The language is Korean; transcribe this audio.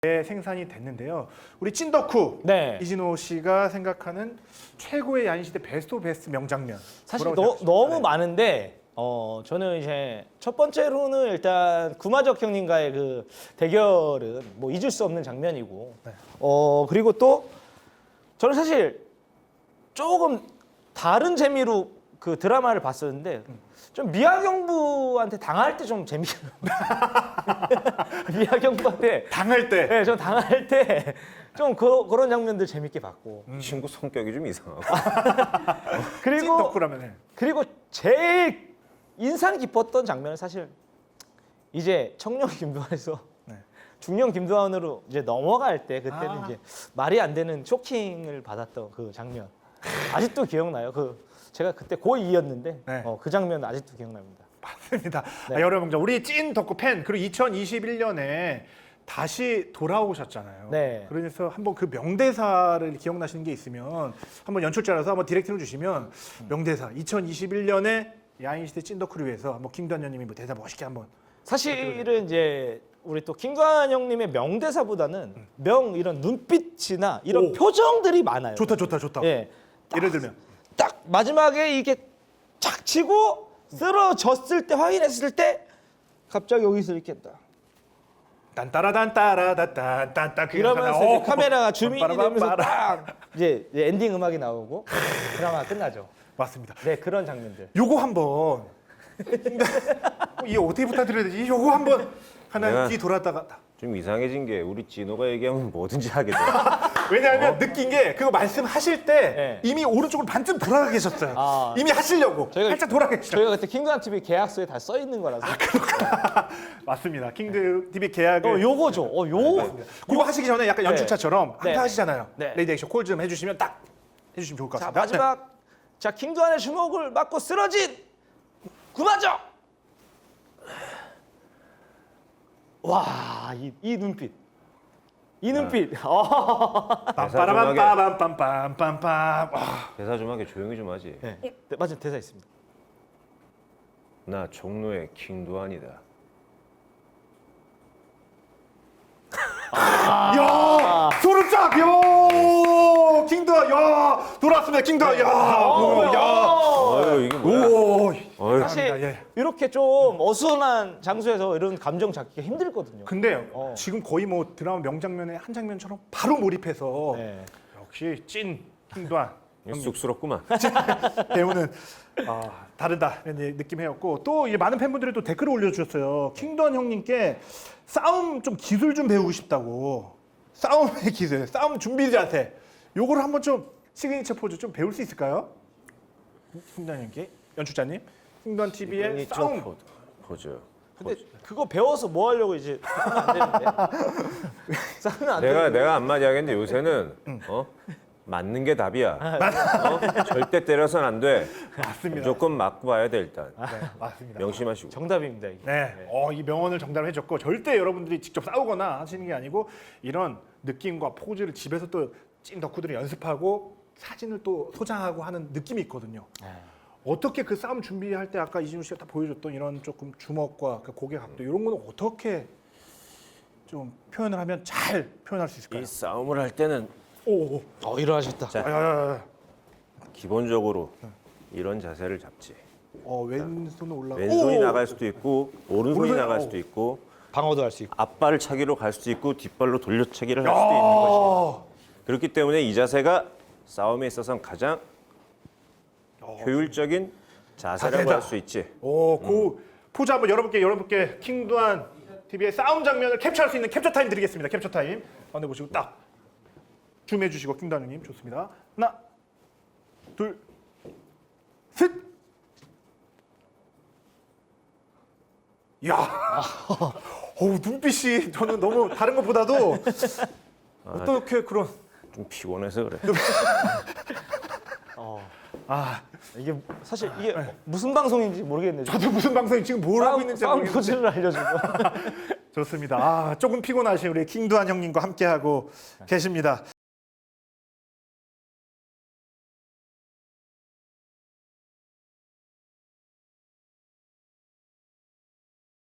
생산이 됐는데요. 우리 찐덕후 네. 이진호 씨가 생각하는 최고의 야인시대 베스트 오브 베스트 명장면. 사실 뭐라고 생각하십니까? 너무 네. 많은데 저는 이제 첫 번째로는 일단 구마적 형님과의 그 대결은 뭐 잊을 수 없는 장면이고 네. 그리고 또 저는 사실 조금 다른 재미로 그 드라마를 봤었는데 좀 미아경부한테 당할 때 좀 재밌어요. 미아경부한테 당할 때. 네, 저 당할 때 좀 그런 장면들 재밌게 봤고 친구 성격이 좀 이상하고. 그리고 찐덕후라면 해. 그리고 제일 인상 깊었던 장면은 사실 이제 청년 김두한에서 네. 중년 김두한으로 이제 넘어갈 때 그때는 아. 이제 말이 안 되는 쇼킹을 받았던 그 장면 아직도 기억나요. 그 제가 그때 고2였는데 네. 그 장면 아직도 기억납니다. 맞습니다. 네. 여러 명장 우리 찐 덕후 팬 그리고 2021년에 다시 돌아오셨잖아요. 네. 그래서 한번 그 명대사를 기억나시는 게 있으면 한번 연출자라서 한번 디렉팅을 주시면 명대사 2021년에 야인시대 찐 덕후를 위해서 한번 김두한 형님이 뭐 대사 멋있게 한번. 사실은 이제 우리 또 김두한 형님의 명대사보다는 이런 눈빛이나 이런 오. 표정들이 많아요. 좋다. 예. 예를 들면 딱 마지막에 이게 착 치고 쓰러졌을 때 확인했을 때 갑자기 여기서 이렇게 딱 딴따라단따라단딴딴 이러면서 이제 카메라가 주민이 되면서 딱 이제 엔딩 음악이 나오고 드라마가 끝나죠. 맞습니다. 네, 그런 장면들. 요거 한번 이게 어떻게 부탁드려야 되지? 요거 한번 하나 내가- 뒤 돌았다가 좀 이상해진 게 우리 진호가 얘기하면 뭐든지 하게 돼. 왜냐하면 느낀 게 그거 말씀하실 때 네. 이미 오른쪽으로 반쯤 돌아가 계셨어요. 아. 이미 하시려고 저희가- 살짝 돌아가 계셨어요. 저희가 그때 킹두한 TV 계약서에 다 써 있는 거라서. 맞습니다. 킹드 TV 계약을 요거죠. 그거 하시기 전에 약간 연출차처럼 네. 한타 하시잖아요. 네. 레이디 액션 콜 좀 해주시면 딱 해주시면 좋을 것 자, 같습니다. 마지막 자, 킹두한의 주먹을 맞고 쓰러진 구마적. 와, 이 눈빛. 이 눈빛. 빰빠라밤빰빰빰빰빰빰. 대사 좀 하게 조용히 좀 하지. 네. 네, 맞은 대사 있습니다. 나 종로의 킹두한이다. 야 소름 쫙. 야 킹드와 야 돌아왔습니다. 킹드와 야. 아유 이게 뭐야? 오. 어휴. 사실 예. 이렇게 좀 어수선한 장소에서 이런 감정 잡기가 힘들거든요. 근데 어. 지금 거의 뭐 드라마 명장면의 한 장면처럼 바로 몰입해서 네. 역시 찐 킹도한 쑥스럽구만. 배우는 다르다 이런 느낌이었고 또 이제 많은 팬분들이 또 댓글을 올려주셨어요. 킹도한 형님께 싸움 좀 기술 좀 배우고 싶다고. 싸움의 기술, 싸움 준비 자세 요거를 한번 좀 시그니처 포즈 좀 배울 수 있을까요? 킹도한 형께 연출자님 킹도한 TV의 싸움. 포즈. 근데 그거 배워서 뭐 하려고 이제 싸우면 안 되는데. 싸우면 안 되는데. 내가 한마디 하겠는데 요새는 맞는 게 답이야. 절대 때려서는 안 돼. 맞습니다. 무조건 맞고 봐야 돼 일단. 네, 맞습니다. 명심하시고. 정답입니다. 이게. 네, 이 명언을 정답을 해줬고 절대 여러분들이 직접 싸우거나 하시는 게 아니고 이런 느낌과 포즈를 집에서 또 찐 덕후들이 연습하고 사진을 또 소장하고 하는 느낌이 있거든요. 어떻게 그 싸움 준비할 때 아까 이진우 씨가 다 보여줬던 이런 조금 주먹과 그 고개 각도 이런 거는 어떻게 좀 표현을 하면 잘 표현할 수 있을까요? 이 싸움을 할 때는 오, 일어나셨다. 자. 야야야, 기본적으로 이런 자세를 잡지. 왼손은 올라가. 왼손이 나갈 수도 있고 오른손이 오른손이- 나갈 수도 있고 방어도 할 수 있고. 앞발을 차기로 갈 수도 있고 뒷발로 돌려차기를 할 수도 있는 것이. 그렇기 때문에 이 자세가 싸움에 있어서는 가장 효율적인 자세라고 자세다. 할 수 있지. 그 포즈 한번 여러분께 킹두한 TV의 싸움 장면을 캡처할 수 있는 캡처 타임 드리겠습니다. 캡처 타임. 안에 보시고 딱 줌해 주시고 킹두한 형님 좋습니다. 하나, 둘, 셋. 야, 눈빛이 저는 너무 다른 것보다도 어떻게 그런 좀 피곤해서 그래. 이게 사실 이게 무슨 방송인지 모르겠네요. 저도 무슨 방송이 지금 뭘 하고 있는지 싸움 모르겠는데 포즈를 알려주고. 좋습니다. 조금 피곤하신 우리 킹두한 형님과 함께 하고 계십니다.